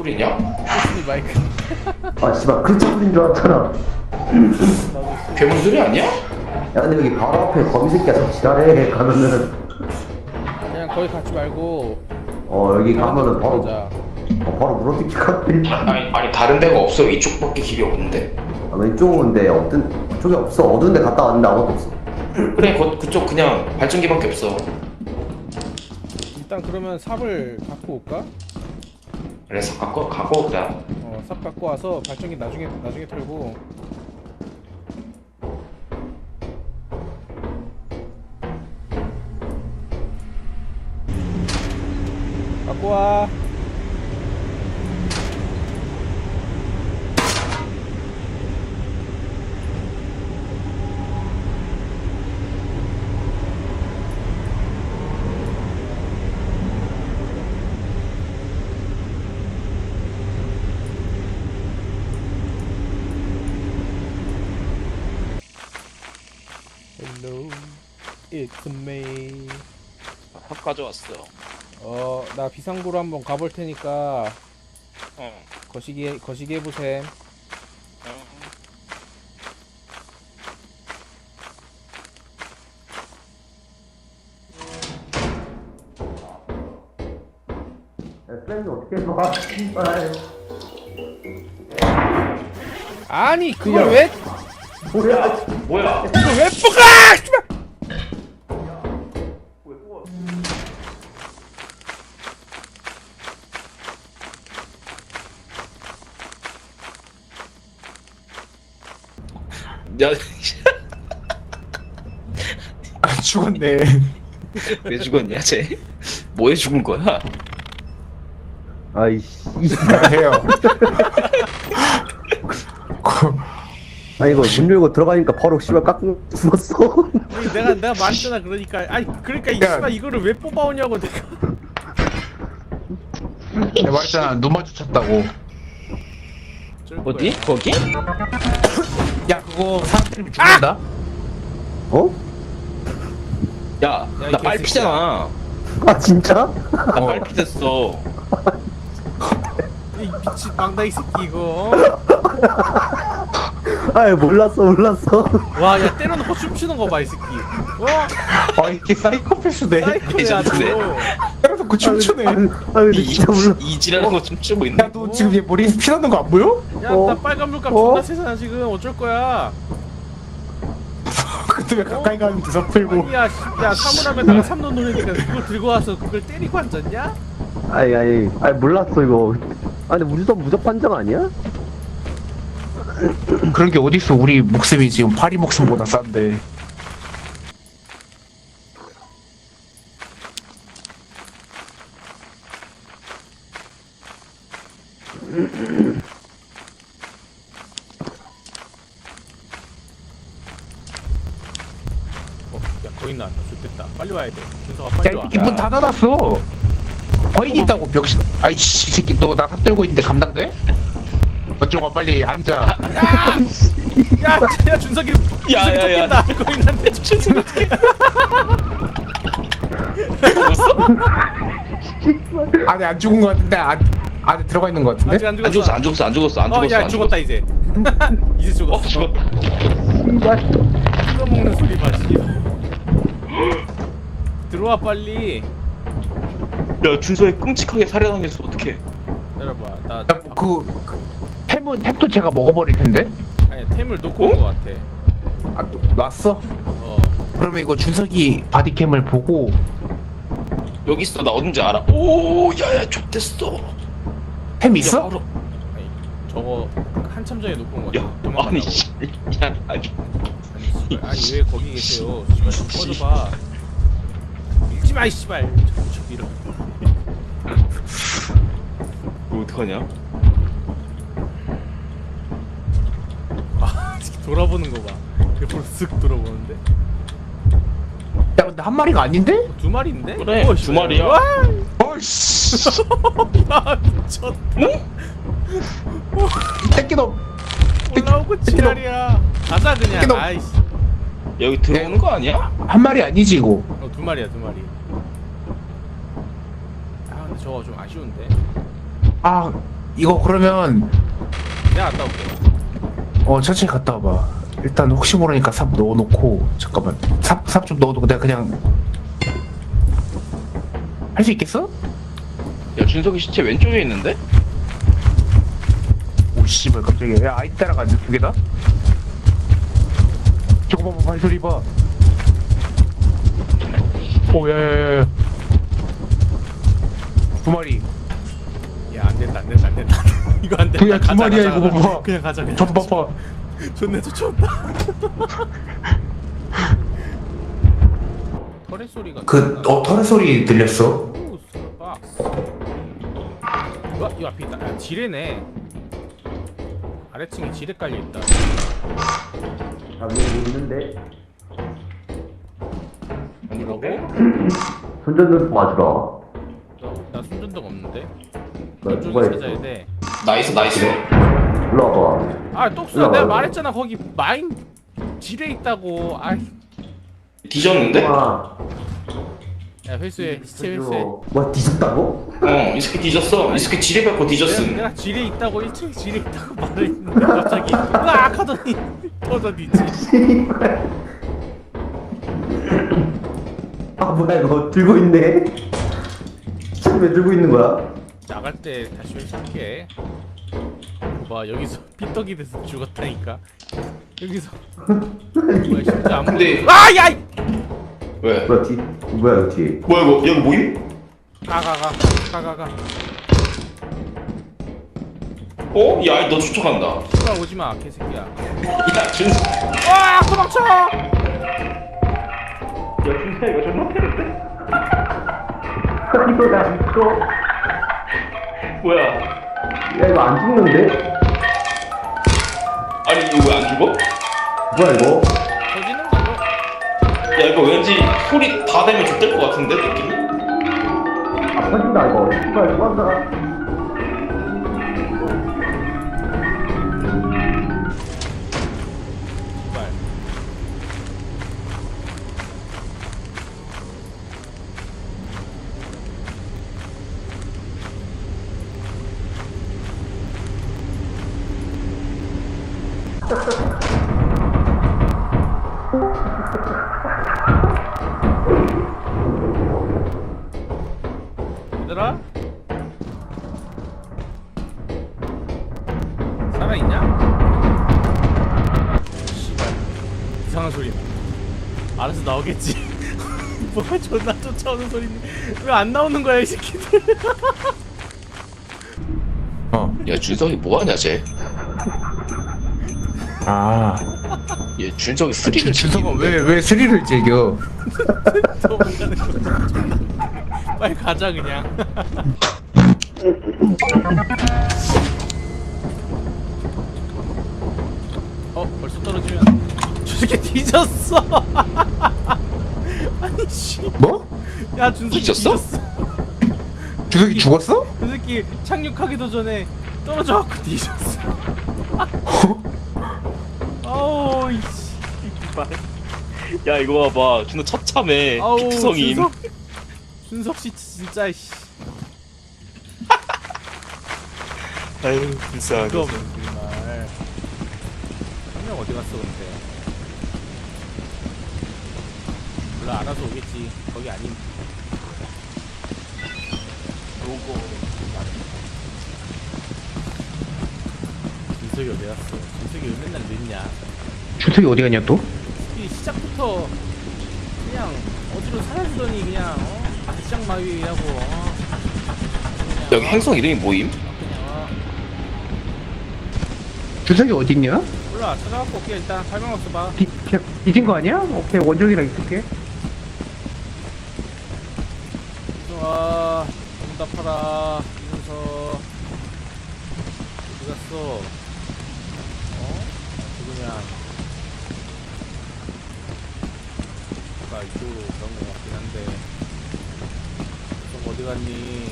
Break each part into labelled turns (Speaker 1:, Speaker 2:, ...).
Speaker 1: 소리냐?
Speaker 2: 코스니 마이크.
Speaker 3: 아 씨발 그차 소리인 줄 알았잖아.
Speaker 1: 괴물 소리 아니야?
Speaker 3: 야 근데 여기 바로 앞에 거미 새끼가 저 지랄해 가면은.
Speaker 2: 그냥 거기 가지 말고.
Speaker 3: 여기 가면은 바로
Speaker 2: 가자.
Speaker 3: 바로 물어뜯기 같대.
Speaker 1: 아니 다른 데가 없어. 이쪽밖에 길이 없는데.
Speaker 3: 왼쪽인데 없던 쪽이 없어. 어두운 데 갔다 왔는데 아무것도 없어.
Speaker 1: 그래 그쪽 그냥 발전기밖에 없어.
Speaker 2: 일단 그러면 삽을 갖고 올까?
Speaker 1: 그래서 갖고 오자.
Speaker 2: 삽 갖고 와서 발전기 나중에 털고. 갖고 와. Hello, it's me.
Speaker 4: 밥 가져왔어.
Speaker 2: 나 비상구로 한번 가볼 테니까
Speaker 4: 어.
Speaker 2: 거시기 해보셈.
Speaker 3: 쌤이 어떻게 봐? 씨발.
Speaker 2: 아니 그걸 왜
Speaker 1: 뭐야?
Speaker 2: 뽑아! 씨발!
Speaker 4: 야,
Speaker 5: 아 죽었네.
Speaker 4: 왜 죽었냐, 쟤? 뭐해 죽은 거야?
Speaker 3: 아이씨.
Speaker 5: 해요.
Speaker 3: 아니 이거 문 열고 들어가니까 바로 씨발 깎고 죽었어.
Speaker 2: 아니, 내가 말했잖아. 그러니까 이
Speaker 5: 야.
Speaker 2: 씨발 이거를 왜 뽑아오냐고 내가.
Speaker 5: 내가 말했잖아 눈 마주쳤다고.
Speaker 4: 어디? 거기?
Speaker 5: 야 그거 사람 때리면 죽는다.
Speaker 3: 어?
Speaker 4: 야,
Speaker 2: 이
Speaker 4: 나 빨피잖아.
Speaker 3: 아 진짜?
Speaker 4: 나 빨피 됐어.
Speaker 2: 이 미친 망다이 새끼 이거.
Speaker 3: 아이 몰랐어.
Speaker 2: 와, 야 때려놓고 춤추는 거 봐 이 새끼.
Speaker 5: 아 이게 사이코패스네.
Speaker 2: 사이코야
Speaker 4: 레전드네.
Speaker 2: 너.
Speaker 5: 때려서 그 춤추네.
Speaker 3: 아 근데 진짜 몰라.
Speaker 4: 이지라는 거 좀 추고 있네.
Speaker 5: 야 너 지금 얘 머리에 피 나는 거 안 보여?
Speaker 2: 야,
Speaker 3: 어?
Speaker 2: 나 빨간 물감
Speaker 3: 어?
Speaker 2: 존나 세잖아 지금. 어쩔 거야?
Speaker 5: 근데 왜 가까이 가면 뒤섞이고.
Speaker 2: 아니야, 야 사물함에다가 삼돈 놓으니까 그걸 들고 와서 그걸 때리고 앉았냐?
Speaker 3: 아니 몰랐어 이거. 아니 우주선 무적 판정 아니야?
Speaker 5: 그런 게 어딨어. 우리 목숨이 지금 파리 목숨보다 싼데.
Speaker 2: 야 거의 나왔다. 좋겠다. 빨리 와야 돼. 준서가 빨리 와.
Speaker 5: 야이 문 닫아놨어. 거인 있다고 병신. 아이씨 이 새끼 너 나 삽들고 있는데 감당돼? 어쩌고 빨리 앉아.
Speaker 2: 야 준석이
Speaker 4: 야, 야, 야.
Speaker 2: 쫓긴다. 거인한테 준석이 어떻게?
Speaker 5: 안에 안 죽은 거 같은데 안에 들어가 있는 거 같은데?
Speaker 2: 아직 안
Speaker 4: 안
Speaker 2: 죽었어.
Speaker 4: 죽었어, 안 죽었어, 안 죽었어, 안 죽었어.
Speaker 2: 야
Speaker 4: 안
Speaker 2: 죽었다 이제. 이제
Speaker 4: 죽었어.
Speaker 2: 죽었어.
Speaker 4: 죽었다.
Speaker 2: 뜯어 먹는 소리 봐. 씨. 들어와 빨리.
Speaker 4: 야, 준서에 끔찍하게 살해당했어. 어떡해?
Speaker 2: 내려봐. 나
Speaker 5: 야, 햄도 제가 먹어버릴 텐데?
Speaker 2: 아니 템을 놓고 온 거 같아.
Speaker 5: 아, 놨어?
Speaker 2: 어.
Speaker 5: 그러면 이거 준석이 바디캠을 보고
Speaker 4: 여기 있어. 나 어딘지 알아. 오, 야야, 좆됐어.
Speaker 5: 햄
Speaker 4: 야,
Speaker 5: 있어?
Speaker 4: 바로.
Speaker 2: 아니 저거 한참 전에 놓고 온 거
Speaker 4: 야,
Speaker 2: 같아. 도망가려고.
Speaker 4: 아니, 씨. 야, 아니.
Speaker 2: 아니 왜 거기 계세요? 씨발 좀 꺼져봐. 밀지 마, 이 씨발. 자꾸 밀어.
Speaker 4: 이거 어떡하냐?
Speaker 2: 아, 돌아보는 거 봐. 옆으로 쓱 돌아보는데.
Speaker 5: 야 근데 한 마리가 아닌데?
Speaker 2: 두 마리인데?
Speaker 4: 그래,
Speaker 2: 어,
Speaker 4: 두
Speaker 2: 씨발.
Speaker 4: 마리야.
Speaker 2: 와,
Speaker 5: 어이씨
Speaker 2: 아, 미쳤다.
Speaker 5: 이 새끼 너
Speaker 2: 올라오고 지랄이야. 가자 그냥.
Speaker 5: 새끼 너-
Speaker 2: 아이씨.
Speaker 4: 여기 들어오는 거 아니야?
Speaker 5: 한 마리 아니지 이거.
Speaker 2: 두 마리야, 두 마리. 아, 근데 저거 좀 아쉬운데.
Speaker 5: 아 이거 그러면
Speaker 2: 내가 갔다 올게.
Speaker 5: 천천히 갔다 와봐. 일단 혹시 모르니까 삽 넣어놓고 잠깐만 삽 좀 넣어놓고 내가 그냥 할 수 있겠어?
Speaker 4: 야 준석이 시체 왼쪽에 있는데?
Speaker 5: 오 씨발 깜짝이야. 야 아이 따라가는데 두 개다? 저거 봐봐 발소리 봐. 오 야야야야 두 마리.
Speaker 2: 야, 안 된다. 이거 안 된다.
Speaker 5: 야, 두 마리야, 이거 봐봐.
Speaker 2: 그냥 가자. 그냥.
Speaker 5: 저도 봐봐.
Speaker 2: 존나 쫓아온다. 터렛 소리가.
Speaker 5: 털의 소리 들렸어?
Speaker 2: 오, 박스. 이 앞에 있다. 아, 지뢰네. 아래층에 지뢰 깔려 있다.
Speaker 3: 아 위에 있는데
Speaker 2: 뭐라고?
Speaker 3: 손전등 맞으러
Speaker 2: 나 손전등 없는데.
Speaker 3: 나
Speaker 2: 이쪽에
Speaker 3: 누가
Speaker 2: 찾아야
Speaker 3: 있어
Speaker 2: 돼.
Speaker 1: 나이스.
Speaker 3: 올라와봐.
Speaker 2: 아, 똑수야.
Speaker 3: 올라가요.
Speaker 2: 내가 말했잖아. 거기 마인 지뢰 있다고. 아이.
Speaker 1: 뒤졌는데?
Speaker 3: 와
Speaker 2: 야, 회수해. 시체 회수해.
Speaker 3: 와 뒤졌다고?
Speaker 1: 이 새끼 뒤졌어. 이 새끼 지뢰 밟고 뒤졌음.
Speaker 2: 내가 지뢰 있다고 1층에 지뢰 있다고 말했는데 갑자기 으악 하더니 터져지지.
Speaker 3: 아 뭐야 이거 들고 있네. 왜 들고 있는 거야?
Speaker 2: 나갈 때 다시 회수할게. 봐, 여기서 삐떡이 돼서 죽었다니까. 여기서 뭐야 진짜 안
Speaker 1: 근데-
Speaker 2: 보여. 아, 야!
Speaker 1: 왜?
Speaker 3: 뭐야 뒤 뭐야 이거 뒤에?
Speaker 1: 뭐야 이거? 여기 모임?
Speaker 2: 가.
Speaker 1: 야, 너 쫓아간다.
Speaker 2: 씨발 오지 마, 개새끼야.
Speaker 1: 야, 준석.
Speaker 2: 와, 도망쳐!
Speaker 1: 야, 준석 이거 존나 패는데?
Speaker 3: 이거 나 미쳐.
Speaker 1: 뭐야?
Speaker 3: 야 이거 안 죽는데?
Speaker 1: 아니 이거 왜 안 죽어?
Speaker 3: 뭐야 이거?
Speaker 2: 터지는 거죠?
Speaker 1: 야, 이거 왠지 소리 다 되면 죽될 것 같은데 느낌이?
Speaker 3: 아 터진다 이거. 씨발 도망가.
Speaker 2: 씨발. 얘들아? 살아있냐? 씨발 이상한 소리 나. 알아서 나오겠지. 뭐가 존나 쫓아오는 소리인데 왜 안 나오는 거야 이 새끼들.
Speaker 4: 야 준석이 뭐하냐 쟤? 얘 준석이 스릴을
Speaker 5: 준석아
Speaker 4: 즐기는데?
Speaker 5: 왜 스릴을 즐겨?
Speaker 2: 도망가는 거 존나. 빨리 가자 그냥. 벌써 떨어지면 저 새끼 뒤졌어. 아니 씨.
Speaker 5: 뭐?
Speaker 2: 야 준석이
Speaker 4: 뒤졌어?
Speaker 5: 준석이 죽었어?
Speaker 2: 그 새끼 착륙하기도 전에 떨어져갖고 뒤졌어. 아우 이씨.
Speaker 4: 야 이거 봐봐 준석 처참해
Speaker 2: 아우
Speaker 4: 피투성임.
Speaker 2: 준석 씨 진짜 씨.
Speaker 4: 아유 불쌍하다.
Speaker 2: 이거 정말. 한 명 어디 갔어 근데? 몰라 알아서 오겠지. 거기 아님. 준석이 어디 갔어? 준석이 왜 맨날 늦냐?
Speaker 5: 준석이 어디 갔냐 또?
Speaker 2: 이 시작부터 그냥 어디로 사라지더니 그냥 시작 마위하고 그냥
Speaker 4: 여기 행성 이름이 뭐임?
Speaker 2: 그냥
Speaker 5: 준석이 어디 있냐?
Speaker 2: 몰라 찾아갖고 올게. 일단 설명 써봐.
Speaker 5: 뒤진 거 아니야? 오케이 원정이랑 있을게.
Speaker 2: 좋아 응답하라 이면서 어디 갔어? 누구냐? 아까 이쪽으로 그런 거 같긴 한데 좀 어디 갔니?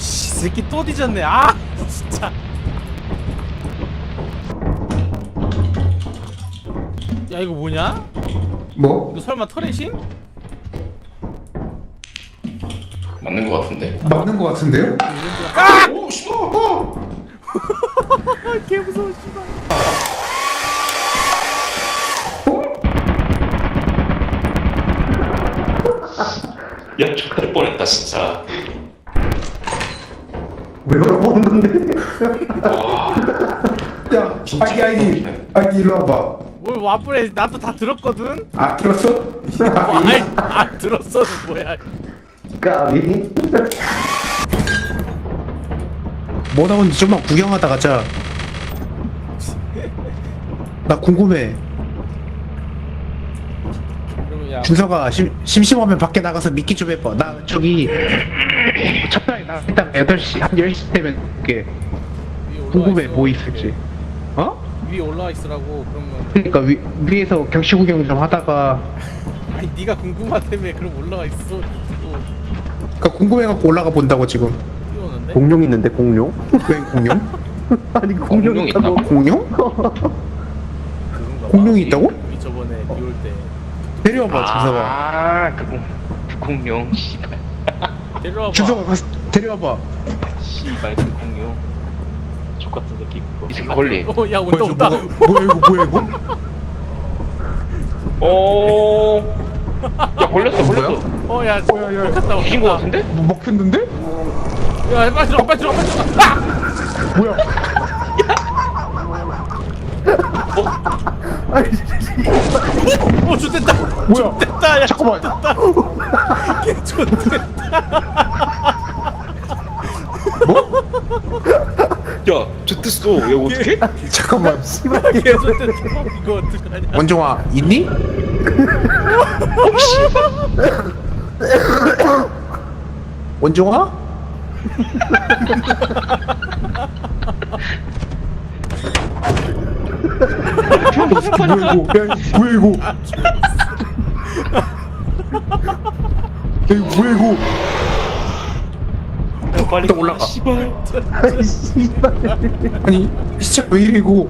Speaker 2: 씨, 새끼 또 뒤졌네. 아, 진짜. 야, 이거 뭐냐?
Speaker 6: 뭐?
Speaker 2: 이거 설마 터렛임?
Speaker 1: 맞는 거 같은데.
Speaker 6: 맞는 거 같은데요?
Speaker 1: 오 씨발.
Speaker 2: 개 무서워, 씨발.
Speaker 1: 야 죽을 뻔했다 진짜.
Speaker 3: 왜 그러는 건데?
Speaker 6: 야, 아이디 일로 와봐.
Speaker 2: 뭘 와플에 나도 다 들었거든?
Speaker 6: 아, 들었어?
Speaker 2: 아이, 들었어는 뭐야.
Speaker 3: 까비.
Speaker 6: 뭐 나오는지 좀만 구경하다 가자. 나 궁금해.
Speaker 2: 그러면 야,
Speaker 6: 준서가 심심하면 밖에 나가서 미끼 좀 해봐. 나 저기 첫날에 나 일단 8시 한 10시 되면 이렇게
Speaker 2: 위에 올라와
Speaker 6: 궁금해
Speaker 2: 있어.
Speaker 6: 뭐 있을지. 어?
Speaker 2: 위에 올라와 있으라고. 그러면
Speaker 6: 그러니까 위에서 경치 구경 좀 하다가
Speaker 2: 아니 네가 궁금하다며. 그럼 올라와 있어. 또
Speaker 6: 그러니까 궁금해갖고 올라가 본다고 지금.
Speaker 2: 뛰어오는데?
Speaker 3: 공룡 있는데 공룡?
Speaker 6: 왜 공룡?
Speaker 3: 아니 공룡
Speaker 1: 공룡
Speaker 3: 있다고?
Speaker 1: 있다고?
Speaker 6: 공룡?
Speaker 2: 그런가 봐.
Speaker 6: 공룡이 있다고?
Speaker 2: 우리 저번에 비 올 때
Speaker 6: 데려와봐 준서가.
Speaker 4: 아, 그 공룡. 씨발.
Speaker 2: 데려와봐.
Speaker 6: 준서가 가서 데려와봐.
Speaker 4: 씨발, 그 공룡. 족같은 새끼. 이 새끼 걸리.
Speaker 2: 야 온다 온다.
Speaker 6: 뭐야 이거?
Speaker 1: 오.
Speaker 4: 야, 걸렸어, 걸렸어.
Speaker 2: 어야
Speaker 6: 야.
Speaker 2: 먹혔다
Speaker 4: 이긴 거
Speaker 2: 먹혔다.
Speaker 4: 같은데?
Speaker 6: 뭐 먹혔는데?
Speaker 2: 야 빨리 들어 빨리 들어 빨리 들어. 아!
Speaker 6: 뭐야?
Speaker 2: 좋됐다.
Speaker 6: 뭐야?
Speaker 2: 됐다. 야
Speaker 6: 잠깐만.
Speaker 2: 개 좋됐다.
Speaker 1: 야 좋댔어. 야 어떡해?
Speaker 6: 잠깐만.
Speaker 2: 개 좋됐다. 이거 어떡하냐.
Speaker 6: 원종아 있니? 원종아? 뭐야 이거? 야, 뭐야 이거? 야, 이거 뭐야 이거?
Speaker 1: 빨리
Speaker 6: 일단 올라가.
Speaker 1: 씨발.
Speaker 3: 아이 씨발.
Speaker 6: 아니 시작 왜 이래 이거?